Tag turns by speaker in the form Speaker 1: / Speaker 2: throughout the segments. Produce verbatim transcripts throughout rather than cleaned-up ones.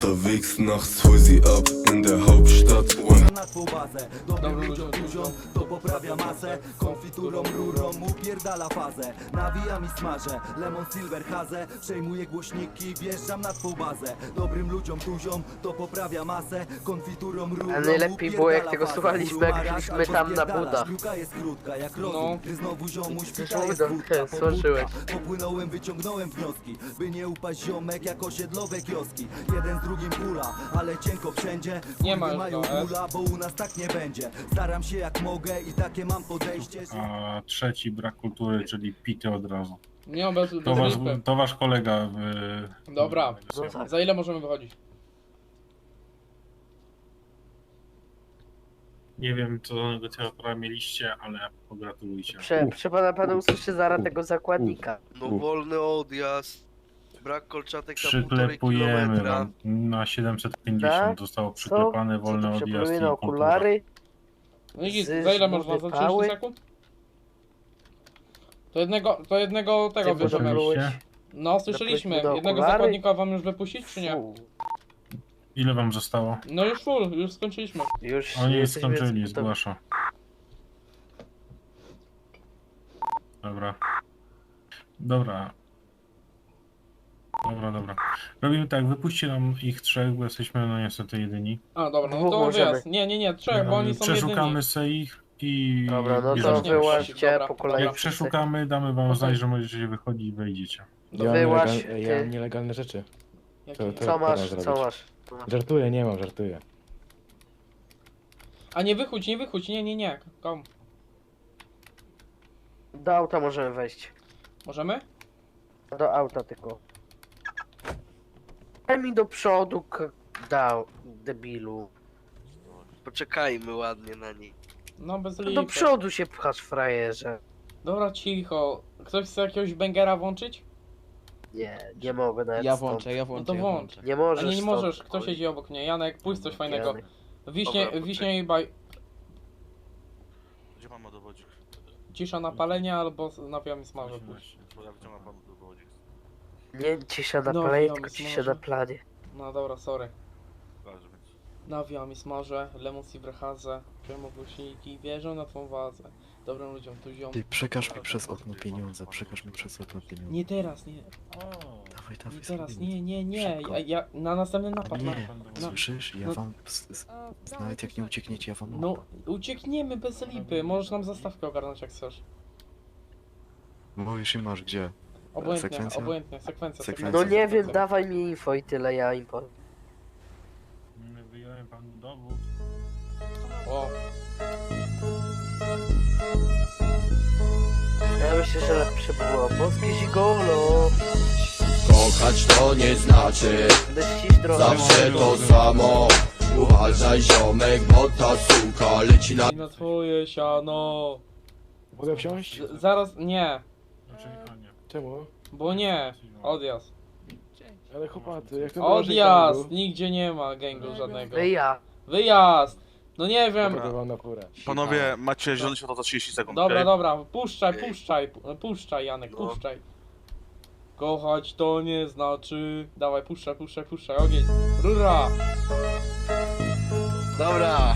Speaker 1: Unterwegs nachts hol sie ab in der Hauptstadt.
Speaker 2: Na twą bazę, dobrym ludziom tuziom, to poprawia masę. Konfiturą, rurą upierdala fazę. Nawijam i smażę, lemon silver hazę. Przejmuję głośniki, wjeżdżam na twą bazę. Dobrym ludziom tuziom, to poprawia masę. Konfiturą, rurą
Speaker 3: A najlepiej było jak tego
Speaker 2: fazę.
Speaker 3: słuchaliśmy, jak szliśmy tam na Buda.
Speaker 2: Szkluka jest krótka jak rozum,
Speaker 4: No.
Speaker 2: gdy znowu ziomuś
Speaker 3: Przecież
Speaker 2: fita jest
Speaker 3: Buda,
Speaker 2: wódka,
Speaker 3: słyszałeś.
Speaker 2: pobudka. Popłynąłem, wyciągnąłem wnioski, by nie upaść ziomek jak osiedlowe kioski. Jeden z drugim kula, ale cienko wszędzie.
Speaker 4: Nie ma
Speaker 2: Kurwy
Speaker 4: już
Speaker 2: mają
Speaker 4: go, e?
Speaker 2: kula, bo u nas tak nie będzie. Staram się jak mogę i takie mam podejście.
Speaker 5: A trzeci brak kultury, czyli pity od razu.
Speaker 4: Nie, bez,
Speaker 5: To
Speaker 4: bez
Speaker 5: wasz,
Speaker 4: lipy.
Speaker 5: to wasz kolega w...
Speaker 4: Dobra.
Speaker 3: No tak.
Speaker 4: Za ile możemy wychodzić?
Speaker 5: Nie wiem, co do negocjatora mieliście, ale pogratulujcie.
Speaker 3: Prze, prze pana pana usłyszy zaraz tego zakładnika.
Speaker 6: No wolny odjazd, brak kolczatek na półtorej
Speaker 5: Przyklepujemy
Speaker 6: kilometra.
Speaker 5: wam na siedemset pięćdziesiąt.
Speaker 3: Tak?
Speaker 5: Zostało
Speaker 3: Co?
Speaker 5: przyklepane
Speaker 3: Co
Speaker 5: wolny
Speaker 3: tu
Speaker 5: odjazd
Speaker 3: przepłynie
Speaker 5: i
Speaker 3: na
Speaker 5: kultura.
Speaker 3: okulary?
Speaker 4: No i git,
Speaker 3: Z
Speaker 4: za ile masz was? Za
Speaker 3: wypały?
Speaker 4: trzydzieści sekund? To jednego, to jednego tego
Speaker 3: Ty
Speaker 4: bierzemy.
Speaker 3: byłeś-
Speaker 5: Oczywiście.
Speaker 4: No, słyszeliśmy.
Speaker 3: do
Speaker 4: Jednego
Speaker 3: okulary?
Speaker 4: zakładnika wam już wypuścić, czy nie?
Speaker 3: Fu,
Speaker 5: Ile wam zostało?
Speaker 4: No już full, już skończyliśmy.
Speaker 3: już
Speaker 5: Oni
Speaker 3: jesteśmy
Speaker 5: skończyli,
Speaker 3: gotowi.
Speaker 5: zgłaszam. Dobra. Dobra. Dobra, dobra. Robimy tak, wypuśćcie nam ich trzech, bo jesteśmy no niestety jedyni.
Speaker 4: A, dobra, no
Speaker 3: Dwóch
Speaker 4: to
Speaker 3: możemy.
Speaker 4: wyjazd. Nie, nie, nie, trzech, bo oni są
Speaker 5: Przeszukamy
Speaker 4: jedyni.
Speaker 5: se ich i...
Speaker 3: Dobra, no to
Speaker 5: bierzemy.
Speaker 4: Nie,
Speaker 3: wyłaźcie
Speaker 4: dobra,
Speaker 3: po kolei.
Speaker 5: Jak przeszukamy, damy wam
Speaker 4: Okej.
Speaker 5: znać, że możecie wychodzić i wejdziecie.
Speaker 3: No
Speaker 7: Ja,
Speaker 3: wyłaź,
Speaker 7: nielegal, ja
Speaker 3: ty.
Speaker 7: mam nielegalne rzeczy.
Speaker 4: Jaki-
Speaker 7: To- to-
Speaker 3: Co masz,
Speaker 7: teraz
Speaker 3: co
Speaker 7: zrobić.
Speaker 3: masz? Co masz?
Speaker 7: Żartuję, nie mam, żartuję.
Speaker 4: A nie wychódź, nie wychódź, nie, nie, nie. Kom.
Speaker 3: Do auta możemy wejść.
Speaker 4: Możemy?
Speaker 3: Do auta tylko. Daj mi do przodu, k- dał, debilu.
Speaker 6: Poczekajmy ładnie na niej.
Speaker 4: No bez
Speaker 3: No do
Speaker 4: lipy.
Speaker 3: przodu się pchasz, frajerze.
Speaker 4: Dobra, cicho. Ktoś chce jakiegoś bangera włączyć?
Speaker 3: Nie, nie mogę nawet
Speaker 8: Ja
Speaker 3: stąd.
Speaker 8: włączę, ja
Speaker 4: No
Speaker 8: włączę.
Speaker 4: to
Speaker 8: ja
Speaker 4: włącz.
Speaker 3: Nie
Speaker 4: A
Speaker 3: możesz
Speaker 4: nie, nie
Speaker 3: stąd.
Speaker 4: możesz, kto siedzi obok mnie? Janek, pójdź coś fajnego.
Speaker 3: Janek.
Speaker 4: Wiśnie,
Speaker 6: Dobra,
Speaker 4: wiśnie i baj...
Speaker 9: Gdzie pan ma dowodzik?
Speaker 4: Cisza na palenie albo nawijam i smażę. pójdź.
Speaker 9: Bo ja wyciągam panu dowodzik.
Speaker 3: Nie cisza na
Speaker 4: No,
Speaker 3: planie,
Speaker 4: ja
Speaker 3: tylko
Speaker 4: myślę,
Speaker 3: cisza
Speaker 4: że-
Speaker 3: na planie.
Speaker 4: No dobra, sorry.
Speaker 9: Pokażę, więc.
Speaker 4: Nawijam i smażę, lemon silverhazę, przejmą głośniki, wierzę na twą wazę. Dobrym ludziom tu ziom.
Speaker 8: Ty przekaż mi przez okno pieniądze, przekaż mi przez okno pieniądze.
Speaker 4: Nie teraz, nie,
Speaker 8: Dawaj, dawaj,
Speaker 4: nie teraz,
Speaker 8: zrobimy.
Speaker 4: nie, nie, nie.
Speaker 8: Szybko.
Speaker 4: Ja, ja na następny napad. Na,
Speaker 8: Nie,
Speaker 4: no.
Speaker 8: słyszysz? Ja
Speaker 4: no.
Speaker 8: wam... s- s- Nawet jak nie uciekniecie, ja wam...
Speaker 4: no, uciekniemy bez lipy, możesz nam zastawkę ogarnąć jak chcesz.
Speaker 8: Mówisz i masz gdzie?
Speaker 4: Obojętnie,
Speaker 8: Sekwencja?
Speaker 4: obojętnie, sekwencja,
Speaker 8: Sekwencja.
Speaker 3: No
Speaker 4: sekwencja.
Speaker 3: nie wiem,
Speaker 4: sekwencja.
Speaker 3: dawaj mi info i tyle, ja im powiem.
Speaker 5: Wyjąłem panu dowód.
Speaker 4: O,
Speaker 3: Ja myślę, że lepsze było boskie zigolo.
Speaker 10: Kochać to nie znaczy
Speaker 3: Będę ścić drogę.
Speaker 10: zawsze to samo. Uważaj ziomek, bo ta suka leci na...
Speaker 4: i na twoje siano.
Speaker 7: Mogę wsiąść?
Speaker 4: Z, zaraz, nie,
Speaker 5: Znaczy, a nie.
Speaker 7: Czemu?
Speaker 4: bo nie, odjazd.
Speaker 7: Ale chłopacy, jak to
Speaker 4: Odjazd! Nigdzie nie ma gangu żadnego.
Speaker 3: Wy ja.
Speaker 4: Wyjazd! No nie wiem.
Speaker 7: Dobra. wam na furę.
Speaker 9: Panowie, macie zielone światło za trzydzieści sekund.
Speaker 4: Dobra,
Speaker 9: okej?
Speaker 4: dobra, puszczaj, puszczaj, pu- puszczaj Janek,
Speaker 6: No.
Speaker 4: puszczaj. Kochać to nie znaczy... Dawaj, puszczaj, puszczaj, puszczaj, ogień. Rura!
Speaker 6: Dobra.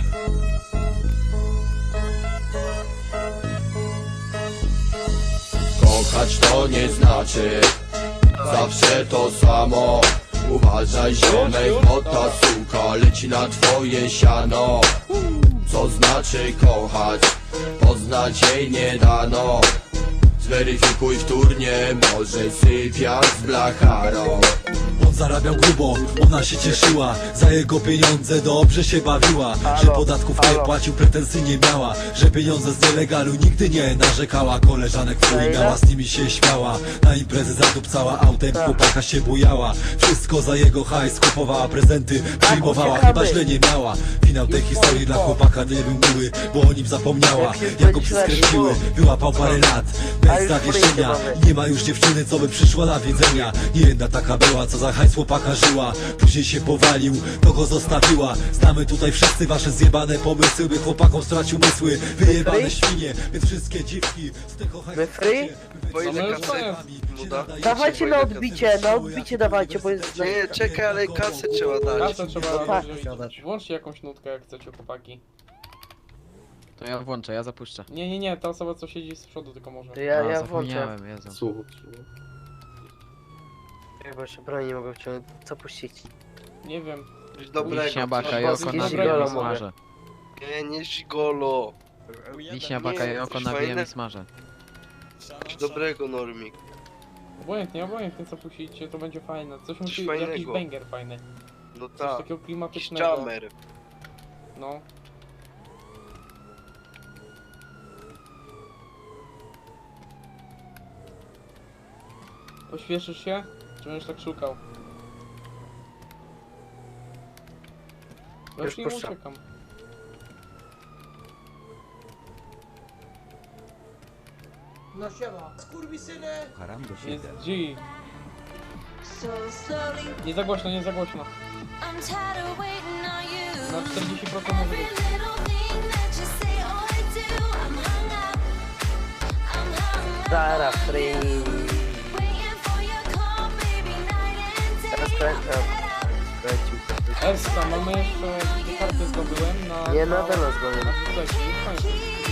Speaker 10: Kochać to nie znaczy zawsze to samo. Uważaj ziomek, bo ta suka leci na twoje siano. Co znaczy kochać? Poznać jej nie dano. Zweryfikuj wtórnie, może sypiać z blacharą.
Speaker 11: On zarabiał grubo, ona się cieszyła. Za jego pieniądze dobrze się bawiła. Że podatków nie płacił, pretensji nie miała. Że pieniądze z nielegalu nigdy nie narzekała. Koleżanek twój miała, z nimi się śmiała. Na imprezy zadupcała autem, chłopaka się bujała. Wszystko za jego hajs, kupowała prezenty, przyjmowała, chyba źle nie miała. Finał tej historii dla chłopaka nie był miły, bo o nim zapomniała. Jak go psy skręciły, wyłapał parę lat bez zawieszenia. Nie ma już dziewczyny, co by przyszła na wiedzenia. Nie jedna taka była, co za hajs z chłopaka żyła. Później się powalił, to go zostawiła. Znamy tutaj wszyscy wasze zjebane pomysły, by chłopakom stracił mysły. Wyjebane świnie, więc wszystkie dziwki z tych
Speaker 3: My free?
Speaker 6: Po ile
Speaker 4: No,
Speaker 6: kasy
Speaker 4: no,
Speaker 6: mu da?
Speaker 3: Dawajcie na odbicie, na odbicie dawajcie, bo jest...
Speaker 6: Nie, czekaj, ale kasę trzeba dać.
Speaker 4: Kasę trzeba
Speaker 3: tak.
Speaker 4: wziąć. Włączcie jakąś nutkę, jak chcecie, chłopaki.
Speaker 8: To ja włączę, ja zapuszczę.
Speaker 4: Nie, nie, nie, ta osoba, co siedzi z przodu, tylko może.
Speaker 3: To ja,
Speaker 8: A,
Speaker 3: ja włączę.
Speaker 8: zapomniałem, Jezu.
Speaker 3: Bo jeszcze broni nie mogę wciągnąć. Co puścić?
Speaker 4: Nie wiem.
Speaker 6: Coś dobrego.
Speaker 8: Wiśnia, baka i
Speaker 3: Polski
Speaker 8: oko na
Speaker 3: gigolo
Speaker 8: grilla
Speaker 3: mogę.
Speaker 8: smażę.
Speaker 6: Nie, nie gigolo.
Speaker 8: Wiśnia, baka i oko
Speaker 6: coś
Speaker 8: na grilla
Speaker 6: fajne?
Speaker 8: smażę.
Speaker 6: Coś dobrego, Normik.
Speaker 4: Obojętnie, obojętnie co puścicie, to będzie fajne. Coś musi,
Speaker 6: fajnego.
Speaker 4: jakiś banger fajny.
Speaker 6: No
Speaker 4: Coś
Speaker 6: tak.
Speaker 4: takiego klimatycznego.
Speaker 6: Jammer.
Speaker 4: No. Pośpieszysz się? Czy będziesz tak szukał? Ja
Speaker 3: Już
Speaker 4: już nie
Speaker 3: puszczam.
Speaker 4: uciekam.
Speaker 12: No siema. Skurwysyny!
Speaker 4: Jest G. Nie za głośno, nie za głośno. Na czterdzieści procent może być.
Speaker 3: Zara free. Teraz kręcam. Kręcił.
Speaker 4: Eska, mamy jeszcze dwie karty zdobyłem na...
Speaker 3: Nie,
Speaker 4: na-
Speaker 3: nadal nas gonią.
Speaker 4: na słuchajcie, już kończę.